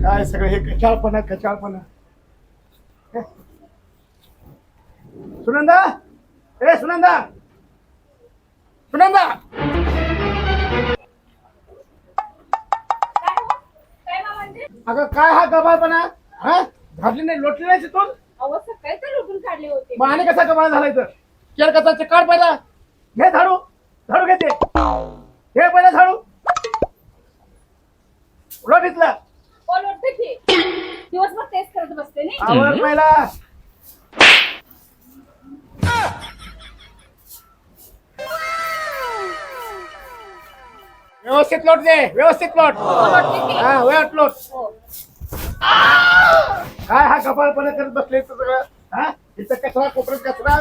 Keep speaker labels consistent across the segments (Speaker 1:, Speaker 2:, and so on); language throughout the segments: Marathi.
Speaker 1: काय सगळं हे कचाळपणा कचाळपणा. सुनंदा, ए सुनंदा, सुनंदा. अगं काय हा गबाळपणा, हा घातली नाही लोटली नाही तिथून.
Speaker 2: अहो सकाळी तर लुटून काढले होते.
Speaker 1: मग आणि कसा गबाळ झालाय तर केर कसा काढ पहिला. घे झाडू, झाडू घेते, घे पहिला झाडू. उलट इथला
Speaker 2: लोटते की दिवसभर तेच करत बसते नाही.
Speaker 1: आवर पहिला. व्यवस्थित लोट दे, व्यवस्थित लोट.
Speaker 2: लोटते की.
Speaker 1: हा वेळ लोट.
Speaker 2: हो.
Speaker 1: काय हा गबाळपणा करत बसले सगळं. हा इथं कचरा, कोपऱ्यात कचरा.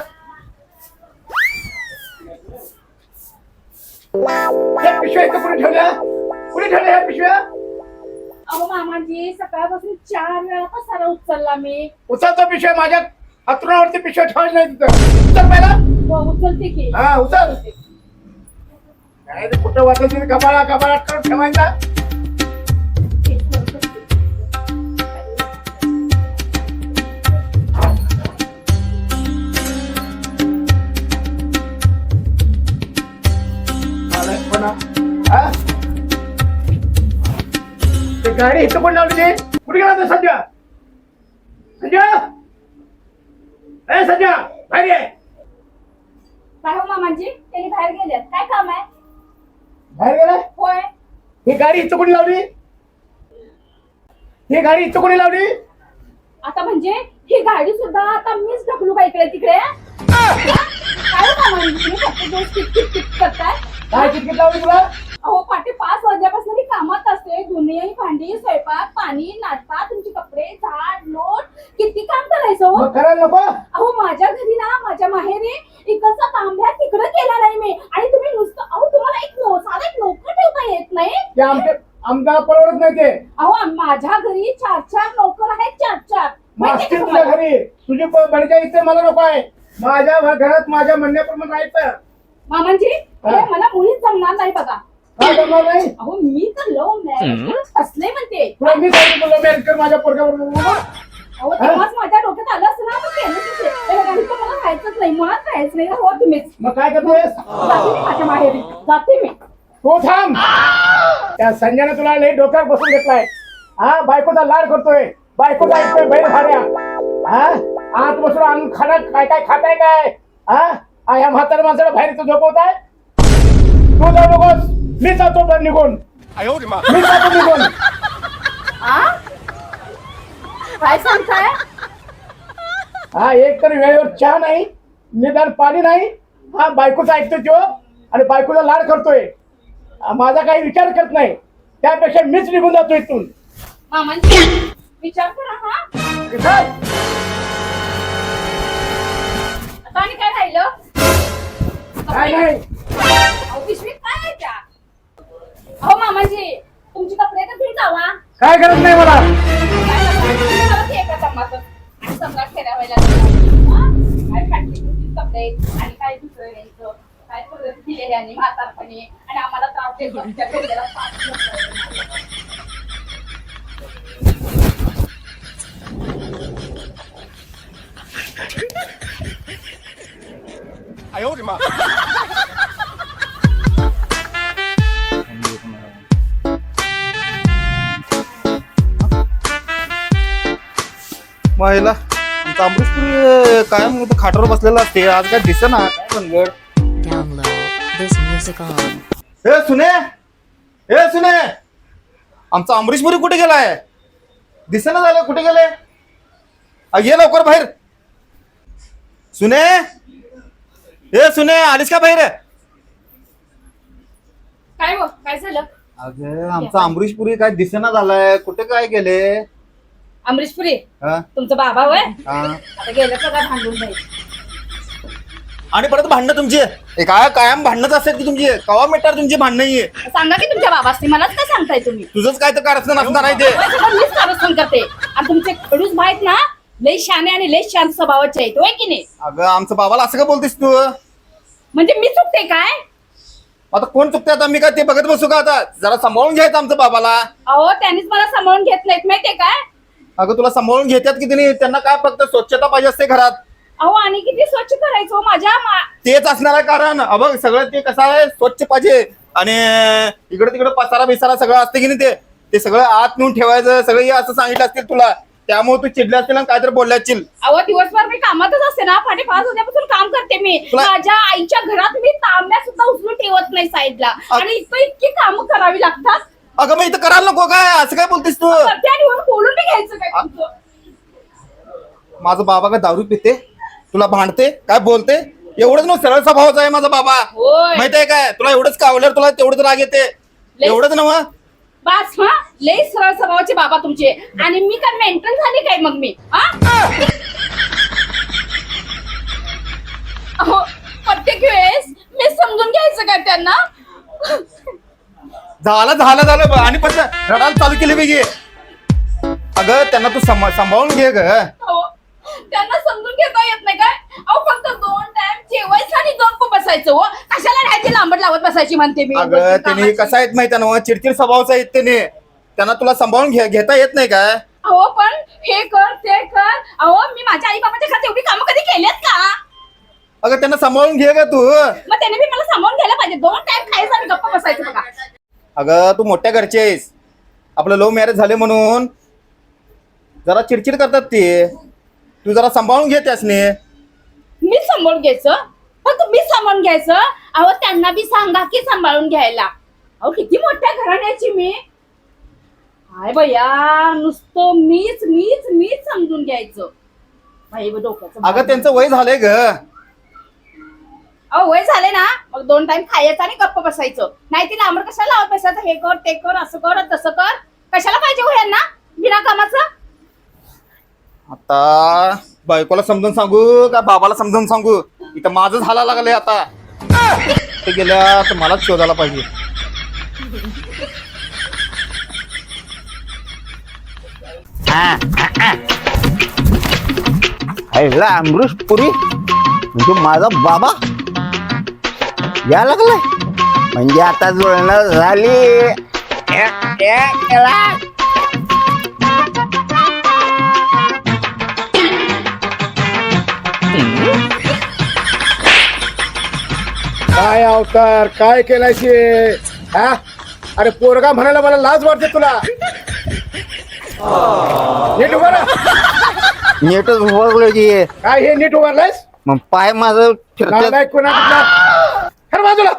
Speaker 1: या पिशव्या इथं कुणी ठेवल्या, कुणी ठेवल्या ह्या पिशव्या.
Speaker 2: अहो मामाजी सकाळपासून 4 वेळा पसारा उचलला मी.
Speaker 1: उचलतो पिशव्या, माझ्या अंथरुणावरती पिशव्या ठेवायची नाही तिथं. उचल पहिला.
Speaker 2: हो उचलते की.
Speaker 1: हा उचल. काय रे कुठं वाचायची गबाळा गबाळा करून ठेवायचा. हा? ते गाडी इथं पण लावली ते कुठे गेला तो संजय. संजय, ए संजय बाहेर ये.
Speaker 2: काय हो मामाजी त्यांनी बाहेर गेल्यात, काय काम आहे?
Speaker 1: बाहेर गेलाय.
Speaker 2: होय.
Speaker 1: ही गाडी इथं कोणी लावली, ही गाडी इथं कोणी लावली.
Speaker 2: आता म्हणजे ही गाडी सुद्धा आता मीच ढकलू का इकडे तिकडे? काय हो मामाजी तुम्ही प्रत्येक दिवस किट करताय?
Speaker 1: काय किटकिट लावली तुला.
Speaker 2: अहो पाटे 5 वाजल्यापासून मी कामात असते. धुणे भांडी स्वयंपाक पाणी नाश्ता तुमचे कपडे झाड लोट किती काम करायचं हो?
Speaker 1: मग करायला नको.
Speaker 2: अहो माझ्या घरी ना माझ्या माहेरी इकडचा तांब्या तिकडं केला नाही मी. आणि तुम्ही नुसतं अहो तुम्हाला साधा एक नोकर ठेवता येत नाही.
Speaker 1: ते आमच्या परवडत नाही ते.
Speaker 2: अहो माझ्या घरी 4 नोकर आहेत 4.
Speaker 1: मास्ती तुझ्या घरी, तुझी बडच्या इथे मला नको आहे. माझ्या घरात माझ्या म्हणण्याप्रमाणे राहायचं.
Speaker 2: मामांजी हे मला मुळीच जमणार नाही बघा.
Speaker 1: काय जमणार नाही.
Speaker 2: अहो मी तर लव्ह मॅरेज असले म्हणते.
Speaker 1: तुला मी सांगितलं तुला मॅरेज कर माझ्या पोरग्याबरोबर.
Speaker 2: अहो तेव्हाच माझ्या डोक्यात आलं असतं ना तर केलं तर मला राहायचंच नाही, मुळात राहायचं नाही. हो तुम्हीच
Speaker 1: मग काय करतोयस.
Speaker 2: जाते मी माझ्या माहेरी जाते मी.
Speaker 1: तू थांब. त्या संजयने तुला लई डोक्यावर बसून घेतलाय. हा बायकोचा लाड करतोय, बायकोचा ऐकतोय बैल भाड्या. हा आत बसून आणून खाना काय काय खाताय काय. हा या म्हाताऱ्या माणसाला बाहेर झोपवताय. तू जाऊ नकोस, मी जातो तर निघून. मी जातो निघून.
Speaker 2: काय सांगताय?
Speaker 1: हा एक तर वेळेवर चहा नाही, निदान पाणी नाही. हा बायकोचा ऐकतोय तो आणि बायकोचा लाड करतोय. माझा काही विचार करत नाही. त्यापेक्षा मीच निघून जातो इथून.
Speaker 2: मामांजी विचार करा. हा आता आणि काय राहिलं?
Speaker 1: काय नाही.
Speaker 2: अहो पिशवीत काय आहे त्या? अहो मामाजी तुमची कपडे तर घेऊन जावा.
Speaker 1: काय करत नाही मला.
Speaker 2: सम्राट फेऱ्या व्हायला काय फाटली कपडे आणि काय दुसरं घ्यायचं काय परत दिले आणि म्हातारपणी आणि आम्हाला त्रास देतो. आमच्या घरच्याला
Speaker 3: महिला आमचा अमृतपुरी कायम खाटावर बसलेला असते. आज काय दिसेना काय बनगड.
Speaker 4: Download this music on.
Speaker 3: हे सुने आमचा अमरीशपुरी कुठे गेलाय. दिसेना झालं कुठे गेले. ये लवकर बाहेर. सुने आलीस का बाहेर.
Speaker 2: काय हो काय झालं?
Speaker 3: अगं आमचा अमरीशपुरी काय दिसेना झालाय. कुठे काय गेले.
Speaker 2: अमरीशपुरी
Speaker 3: हा
Speaker 2: तुमचा बाबा होय.
Speaker 3: हा
Speaker 2: आता गेलं का काय भांडून नाही.
Speaker 3: आणि परत भांडणं तुमची काय कायम भांडणच असतात की तुमची. कवा मिटार तुमची भांडणं आहे.
Speaker 2: सांगा की तुमच्या बाबासनी मलाच काय सांगताय तुम्ही.
Speaker 3: तुझंच काय तर कारस्थान असणार आहे ते.
Speaker 2: मीच कारस्थान करते आणि तुमचे खडूस माहित ना लई शाने आणि लई शांत स्वभावाचे आहेत होय की नाही.
Speaker 3: अगं आमचं बाबाला असं का बोलतेस तू.
Speaker 2: म्हणजे मी चुकते काय?
Speaker 3: आता कोण चुकते आता मी काय ते बघत बसू का आता जरा सांभाळून घ्यायचं आमचं बाबाला.
Speaker 2: अहो त्यांनीच मला सांभाळून घेत नाहीत माहितीये काय.
Speaker 3: अगं तुला सांभाळून घेतात की नाही त्यांना काय फक्त स्वच्छता पाहिजे असते घरात.
Speaker 2: अहो आणि किती स्वच्छ करायचो
Speaker 3: तेच असणार आहे कारण बघ सगळं ते कसं आहे स्वच्छ पाहिजे आणि इकडे तिकडे पसारा बिसारा सगळं असते की नाही ते सगळं आत नेऊन ठेवायचं सगळं हे असं सांगितलं असतील तुला त्यामुळे तू चिडले असतील आणि काहीतरी बोलले असतील.
Speaker 2: अहो दिवसभर मी कामातच असते ना 5:30 वाजल्यापासून काम करते मी. माझ्या आईच्या घरात मी तांब्या सुद्धा उचलून ठेवत नाही साईडला आणि इतकी कामं करावी लागतात.
Speaker 3: अगं मग इथं करायला नको काय असं काय बोलतेस तू.
Speaker 2: बोलून मी घ्यायचं काय तुमचं.
Speaker 3: माझा बाबा काय दारू पिते तुला भांडते काय बोलते एवढंच ना सरळ स्वभावाचा आहे माझा बाबा.
Speaker 2: होय.
Speaker 3: माहितीये काय तुला एवढंच कावल्यावर तुला तेवढंच राग येते एवढंच ना मग.
Speaker 2: बस हा लई सरळ स्वभावाचे बाबा तुमचे आणि मी काय मेंटल झाली काय मग मी अहो प्रत्येक वेळेस मी समजून घ्यायचं काय त्यांना.
Speaker 3: झालं आणि पण रडायला चालू केली वेगळी. अगं त्यांना तू सांभाळून घे ग.
Speaker 2: त्यांना समजून घेता येत नाही काय. अहो फक्त 2 टाइम जेवायचं आणि 2 को बसायचं हो कशाला राहायची लांबट लावत बसायची म्हणते मी.
Speaker 3: अगं त्यांनी कसं आहेत माहिती ना चिडचिड स्वभावचा आहेत त्याने त्यांना तुला सांभाळून घेता येत नाही काय.
Speaker 2: अहो पण हे कर ते कर. अहो मी माझ्या आई बाबाच्या घरात एवढी कामं कधी केलीत का.
Speaker 3: अगं त्यांना सांभाळून घे ग तू.
Speaker 2: मग त्याने मी मला सांभाळून घ्यायला पाहिजे. 2 टाइम खायचं आणि गप्पा बसायचं बघा.
Speaker 3: अगं तू मोठ्या घरची आहेस आपलं लव्ह मॅरेज झाले म्हणून जरा चिडचिड करतात ते तू जरा सांभाळून घे त्यासने.
Speaker 2: मी सांभाळून घ्यायचं फक्त मी सांभाळून घ्यायचं. अहो त्यांना बी सांगा की सांभाळून घ्यायला. अहो किती मोठ्या घराण्याची मी काय बया नुसतं मीच समजून घ्यायचं. डोक्याचं
Speaker 3: अगं त्यांचं वय झालंय ग.
Speaker 2: अहो वय झाले ना मग 2 टाइम खायचं आणि गप्प बसायचं. नाही ती लांबड कशाला लावत बसायचं. हे कर ते कर असं कर तसं कर कशाला पाहिजे हो यांना बिना कामाचं.
Speaker 3: आता बायकोला समजून सांगू का बाबाला समजून सांगू इथं माझं झाला लागलंय आता. ते गेल्या तर मलाच शोधायला पाहिजे.
Speaker 5: अमृष पुरी म्हणजे माझा बाबा या लागलाय म्हणजे आता जुळणं झाली.
Speaker 1: काय अवतार काय केलायशी हा. अरे पोरगा म्हणायला मला लाज वाटते तुला. नीट उभा राहा.
Speaker 5: नीटच उभारलो की
Speaker 1: काय हे नीट उभारलायस
Speaker 5: मग पाय माझं फिरतात.
Speaker 1: नाही कोणा बाजूला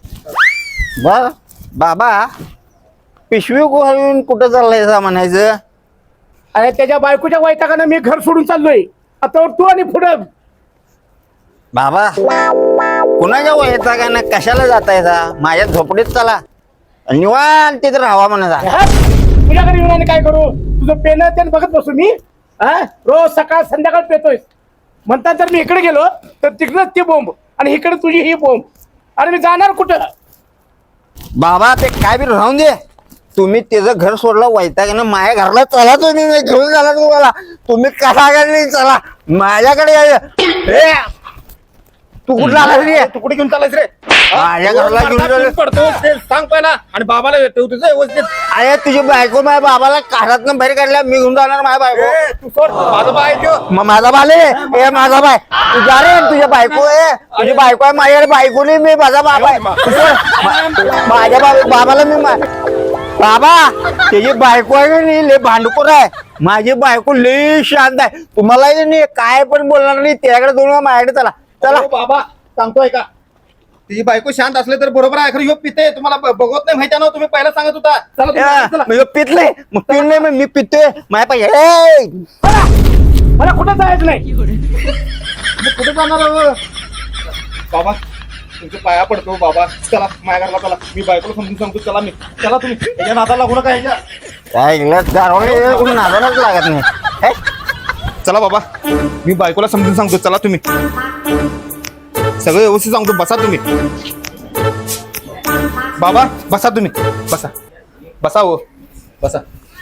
Speaker 5: बाबा पिशवी घालून कुठं चाललाय म्हणायचं.
Speaker 1: अरे त्याच्या बायकोच्या वैतागानं मी घर सोडून चाललोय. आता तू आणि पुढं
Speaker 5: बाबा कुणाच्या वयाचा का ना कशाला जातायचा माझ्या झोपडीत चला निवांत तिथे राहावा म्हणायचा.
Speaker 1: तुझ्या घरी येऊन आणि काय करू तुझं पेन त्यानं बघत बसू मी हा. रोज सकाळ संध्याकाळ पेतोय म्हणतात जर मी इकडे गेलो तर तिकडंच ती बोंब आणि इकडे तुझी ही बोंब. अरे मी जाणार कुठं.
Speaker 5: बाबा ते काय बी राहून दे तुम्ही त्याचं घर सोडलं वैतागानं माझ्या घरला चला तुम्ही घेऊन झाला तुम्हाला तुम्ही कसा घरी चला माझ्याकडे या. तू कुठला आला रे
Speaker 3: तू कुठे घेऊन चालायस रे.
Speaker 5: माझ्या घरला घेऊन
Speaker 3: पडतो ते सांग पहिला आणि बाबाला तुझं व्यवस्थित.
Speaker 5: अरे तुझी बायको माझ्या बाबाला काढातनं बाहेर काढल्या मी घेऊन जाणार माझ्या बायको.
Speaker 3: तू सोड माझा बाय
Speaker 5: मग माझा बाले ए माझा बाय तू जा रे तुझ्या बायको आहे तुझी बायको आहे माझ्याकडे बायको नाही मी माझा बाबा आहे माझ्या बाबाला मी बाबा त्याची बायको आहे नाही लय भांडखोर आहे माझी बायको लय शांत आहे तुम्हाला काय पण बोलणार नाही त्याकडे दोन माझ्याकडे चला चला.
Speaker 3: बाबा सांगतोय का तिची बायको शांत असले तर बरोबर आहे. खरं ह्यो पिते तुम्हाला बघत नाही माहिती ना तुम्ही पहिला सांगत होता. चला
Speaker 5: पितले मग पित नाही मग मी पितोय माझ्या पाहिजे
Speaker 1: मला कुठं जायचं नाही.
Speaker 3: कुठे जाणार बाबा तुमच्या पाया पडतो बाबा. चला माझ्या घरला चला मी बायकोला समजून सांगतो. चला तुम्ही त्याच्या नादाला लागू नका ह्याच्या.
Speaker 5: काय नादालाच लागत नाही.
Speaker 3: चला बाबा मी बायकोला समजून सांगतो. चला तुम्ही सगळं व्यवस्थित सांगतो. बसा तुम्ही बाबा बसा तुम्ही बसा हो बसा.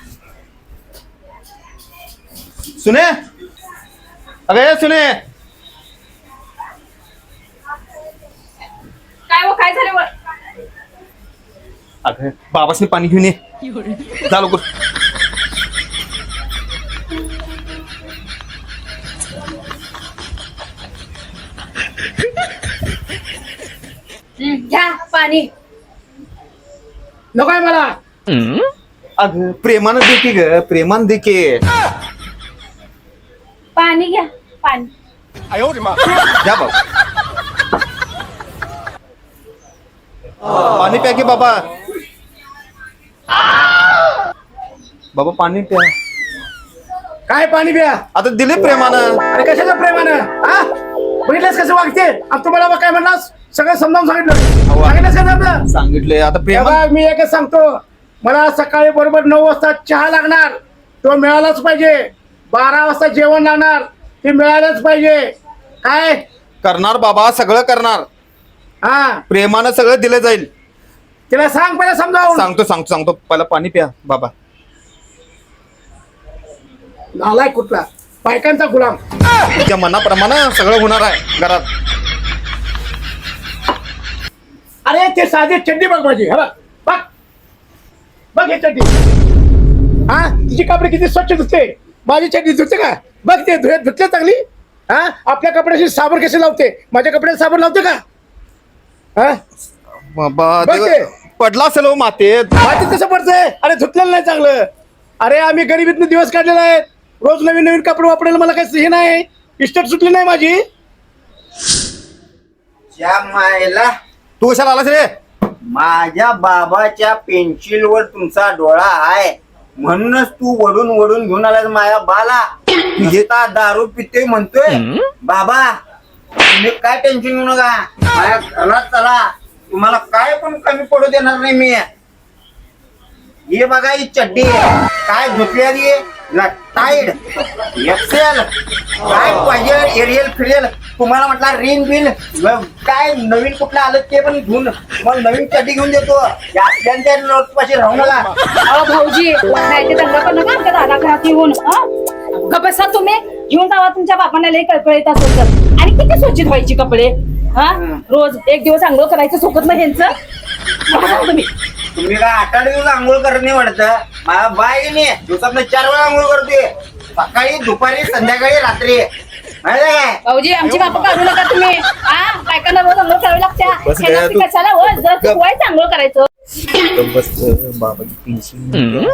Speaker 3: सुने अगे सुने
Speaker 2: काय हो काय झालं
Speaker 3: अगं बाबासनी पाणी घेऊन ये जा लवकर.
Speaker 2: घ्या पाणी.
Speaker 1: नको आहे मला.
Speaker 3: अगं प्रेमानं दे की ग, प्रेमानं दे की.
Speaker 2: पाणी घ्या पाणी.
Speaker 3: घ्या बाबा पाणी प्या की बाबा. बाबा पाणी प्या.
Speaker 1: काय पाणी प्या.
Speaker 3: आता दिले प्रेमानं.
Speaker 1: अरे कशाचं प्रेमानं हा बघितलंस कसं वागते. आणि तुम्हाला मग काय म्हणलास सगळं समजावून सांगितलं. सांगितलंस का आपलं.
Speaker 3: सांगितलंय आता प्रेमा.
Speaker 1: तेव्हा मी एकच सांगतो मला सकाळी बरोबर 9 वाजता चहा लागणार तो मिळालाच पाहिजे. 12 वाजता जेवण लागणार ते मिळालंच पाहिजे. काय
Speaker 3: करणार बाबा सगळं करणार.
Speaker 1: हा
Speaker 3: प्रेमानं सगळं दिलं जाईल.
Speaker 1: तिला सांग पहिला समजावून.
Speaker 3: सांगतो पहिला पाणी प्या बाबा.
Speaker 1: नालाय कुठला बायकांचा गुलाम.
Speaker 3: तुझ्या मनाप्रमाणे सगळं होणार आहे घरात.
Speaker 1: अरे ते साधी चड्डी बघ माझी. हा बघ बघ हे चड्डी. हा तिची कपडे किती स्वच्छ धुते. माझी चड्डी धुते का बघ ते धुतले चांगली. हा आपल्या कपड्याशी साबण कसे लावते माझ्या कपड्यात साबण लावते का. हा
Speaker 3: बाबा
Speaker 1: बघ ते.
Speaker 3: पडला असेल हो मातेत.
Speaker 1: मातीत कसं पडतंय. अरे धुतलेलं नाही चांगलं. अरे आम्ही गरिबीतनं दिवस काढलेला आहेत. रोज नवीन नवीन कपडे वापरायला मला काही हे नाही. इस्टेट सुटली नाही माझी.
Speaker 5: त्या मायला
Speaker 3: तू कशाला आलास रे.
Speaker 5: माझ्या बाबाच्या पेन्सिलवर तुमचा डोळा आहे म्हणूनच तू वडून वडून घेऊन आलास माझ्या बाला. घेता दारू पिते म्हणतोय. बाबा तुम्ही काय टेन्शन घेऊ नका. माझ्या घरात चला तुम्हाला काय पण कमी पडू देणार नाही मी. हे बघा ही चड्डी काय धुतलेली टाईड एक्सेल काय पाहिजे एरियल फिरियल तुम्हाला म्हटला रिन बिल काय नवीन कुठलं आलं ते पण घेऊन मग नवीन चड्डी घेऊन देतो. आपल्या लोकपाशी राहू नका.
Speaker 2: अहो भाऊजी नाही ते दंगा करू नका आमच्या दादा घरात येऊन. ग बसा तुम्ही घेऊन जावा तुमच्या बापांना लई कळकळीत असेल तर. आणि किती स्वच्छ व्हायची कपडे. हा रोज एक दिवस आंघोळ करायचं सोबत नाही ह्यांचं. तुम्ही
Speaker 5: तुम्ही काय 8 दिवस आंघोळ करत नाही वाटतं. माझ्या बाई नाही दिवसात 4 वेळा आंघोळ करते. सकाळी दुपारी संध्याकाळी रात्री माहिती काय.
Speaker 2: भाऊजी आमची बापा काढू नका तुम्ही. हा बायकांना रोज आंघोळ करावी लागते.
Speaker 3: बस
Speaker 2: ह्यांना
Speaker 3: गया
Speaker 2: ती
Speaker 3: तू.
Speaker 2: कशाला हो जर चुकवायचं आंघोळ करायचं.
Speaker 3: बाबाची पेन्सिल.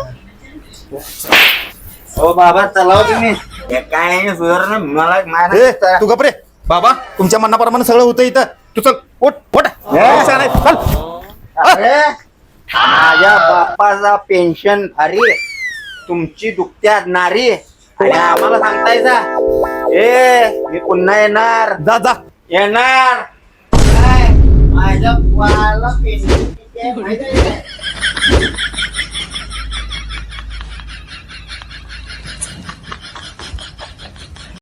Speaker 5: हो बाबा चलाव तुम्ही. हे काय सुधारणा मला माझ्या
Speaker 3: तू गप रे बाबा. तुमच्या मनाप्रमाणे सगळं होतं इथं. तू चल ओट ओट चल.
Speaker 5: अरे माझ्या बापाचा पेन्शन अरे तुमची दुखत्या नारी आणि आम्हाला सांगतायचा. मी पुन्हा येणार
Speaker 3: जा जा.
Speaker 5: येणार काय माझ्या बाळाला पेन्शन किती आहे माहिती आहे?